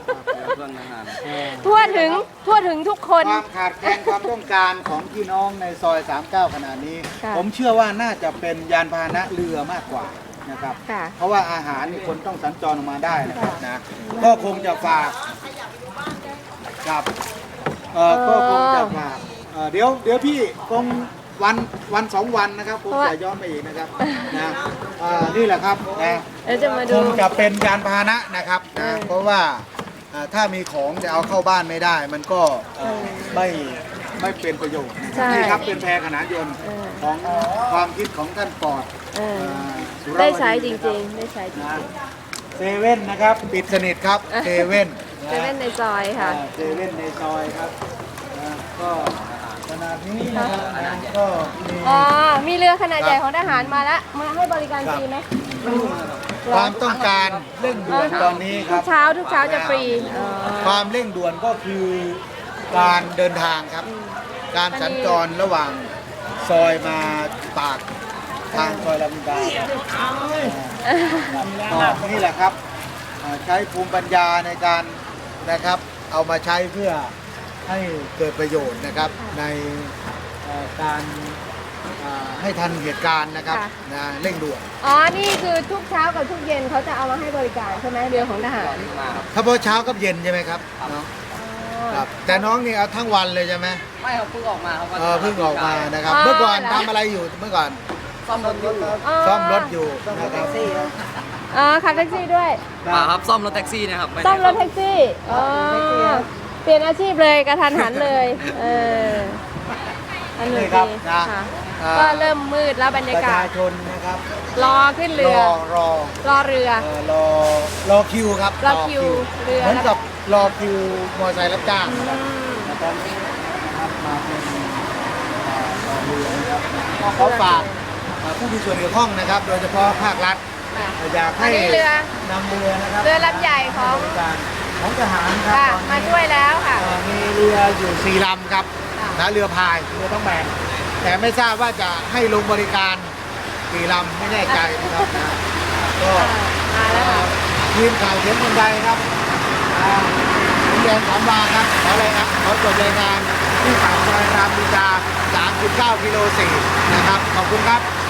[SPEAKER 1] ทั่วถึงทั่วถึงทุกคน
[SPEAKER 4] ความขาดแคลนความต้องการของพี่น้องในซอย สามสิบเก้า ขนาดนี้
[SPEAKER 1] ค่ะ
[SPEAKER 4] ผมเชื่อว่าน่าจะเป็นยานพาหนะเรือมากกว่านะครับ
[SPEAKER 1] ค่ะ
[SPEAKER 4] เพราะว่าอาหารนี่คนต้องสัญจรออกมาได้นะครับนะก็คงจะฝากครับเอ่อก็คงจะฝากเอ่อเดี๋ยวเดี๋ยวพี่คงวันวันสองวันนะครับคงจะย้อนไปอีกนะครับนะเอ่อนี่แหละครับนะ
[SPEAKER 1] เดี๋ยวจะมา
[SPEAKER 4] ค
[SPEAKER 1] ดู
[SPEAKER 4] งจะเป็นยานพาหนะนะครับนะ
[SPEAKER 1] เออ
[SPEAKER 4] เพราะว่าอ่าถ้ามีของจะเอาเข้าบ้านไม่ได้ มันก็เอ่อไม่ไม่เป็นประโยชน์
[SPEAKER 1] ใช่
[SPEAKER 4] นี่ครับเป็นแพขนานยนต์
[SPEAKER 1] เออ
[SPEAKER 4] ของความคิดของท่านปอด
[SPEAKER 1] เออ
[SPEAKER 4] อ่าสุรว
[SPEAKER 1] ได้
[SPEAKER 4] ดี
[SPEAKER 1] ใช้จ
[SPEAKER 4] นะค
[SPEAKER 1] ริ
[SPEAKER 4] บ
[SPEAKER 1] งๆ ได้ใช้จริ
[SPEAKER 4] นะ
[SPEAKER 1] ง
[SPEAKER 4] เซเว่นนะครับปิดสนิทครับเซเว่น
[SPEAKER 1] ๆเซเว่นในซอยค่ะ
[SPEAKER 4] อ่าเซเว่นในซอยครับนะก็ขนาดนี้นะครับนะก็มี
[SPEAKER 1] อ๋อ มีเรือขนาดใหญ่ของทหารมาแล้ว มาให้บริการฟรีไหม
[SPEAKER 4] ความต้องการเร่งด่วนตอนนี้ค
[SPEAKER 1] ทุ
[SPEAKER 4] รั
[SPEAKER 1] ก
[SPEAKER 4] บ
[SPEAKER 1] เช้าทุกเช้าจะฟรีอ๋อ
[SPEAKER 4] ความเร่งด่วนก็คือการเดินทางครับ การสัญจรระหว่างซอยมาปากทางซอยลำดาก็นี่แหละครับอ่าใช้ภูมิปัญญาในการนะครับ เอามาใช้เพื่อให้เกิดประโยชน์นะครับในเอ่อการอ่าให้ทันเหตุการณ์นะครับนะเร่งด่วน
[SPEAKER 1] อ๋อ นี่คือทุกเช้ากับทุกเย็นเขาจะเอามาให้บริการใช่ไหมเรือของทหาร
[SPEAKER 4] ถ้าพอเช้ากับเย็นใช่ไหมครับน้องครับแต่น้องนี่เอาทั้งวันเลยใช่ไหม
[SPEAKER 3] ไม่ครับเพิ่งออกมาครับ
[SPEAKER 4] เออเพิ่งออกมานะครับ
[SPEAKER 1] อ๋อ
[SPEAKER 4] เมื่อก่อน
[SPEAKER 1] เหรอ
[SPEAKER 4] ทำอะไรอยู่เมื่อก่อน
[SPEAKER 3] ซ่อมรถอยู่
[SPEAKER 4] ซ่อมรถอยู่นะครับ
[SPEAKER 1] อ๋อขับแท็กซี่ด้วย
[SPEAKER 3] มาครับซ่อมรถแท็กซี่นะครับไม่ได้
[SPEAKER 1] ซ่อมรถแท็กซี่ อ๋อ เปลี่ยนอาชีพเลยกระทันหันเลย เอออันหนึ่ง
[SPEAKER 4] นี่ครับ
[SPEAKER 1] ดี
[SPEAKER 4] นะ
[SPEAKER 1] ค่ะ
[SPEAKER 4] อ่า
[SPEAKER 1] ก็เริ่มมืดแล้วบรร
[SPEAKER 4] ป
[SPEAKER 1] ยา
[SPEAKER 4] ระ
[SPEAKER 1] กา
[SPEAKER 4] ชา
[SPEAKER 1] ศ
[SPEAKER 4] ชนนะครับ
[SPEAKER 1] รอขึ้น
[SPEAKER 4] ร
[SPEAKER 1] เรือ
[SPEAKER 4] อรอ
[SPEAKER 1] รอเรือ
[SPEAKER 4] เอ่อรอรอคิวครับ
[SPEAKER 1] รอคิวเรือ
[SPEAKER 4] เหมือนกับรอคิวมอเตอร์ไซค์รับจ้าง
[SPEAKER 1] อืม
[SPEAKER 4] ตอนนี้นะครับมาเป็นอ่ารอเรือนะครับก็ขอฝากอ่าผู้มีส่วนเกี่ยวข้องนะครับ โดยเฉพาะภาครัฐ อยากให้
[SPEAKER 1] อันนี้เรือ
[SPEAKER 4] นำเรือนะครับ
[SPEAKER 1] เรือลำใหญ่ของ
[SPEAKER 4] บริการของทหารครับ
[SPEAKER 1] ค่ะ
[SPEAKER 4] ตอนนี้
[SPEAKER 1] มาช่วยแล้วค่ะ
[SPEAKER 4] เอ่อมีเรืออยู่สี่ลำครับ
[SPEAKER 1] ค่ะ
[SPEAKER 4] นะเรือพายเรือต้องแบนแต่ไม่ทราบว่าจะให้ลงบริการกี่ลำไม่แน่ใจนะครับนะก็
[SPEAKER 1] มาแล้วค่ะ
[SPEAKER 4] ทีมข่าวเสียงคนใดครับอ่าผมแดงสามวาครับขออะไรครับขอจดรายงานที่ปากซอยรามอินทราสามสิบเก้ากิโลสี่นะครับขอบคุณครับ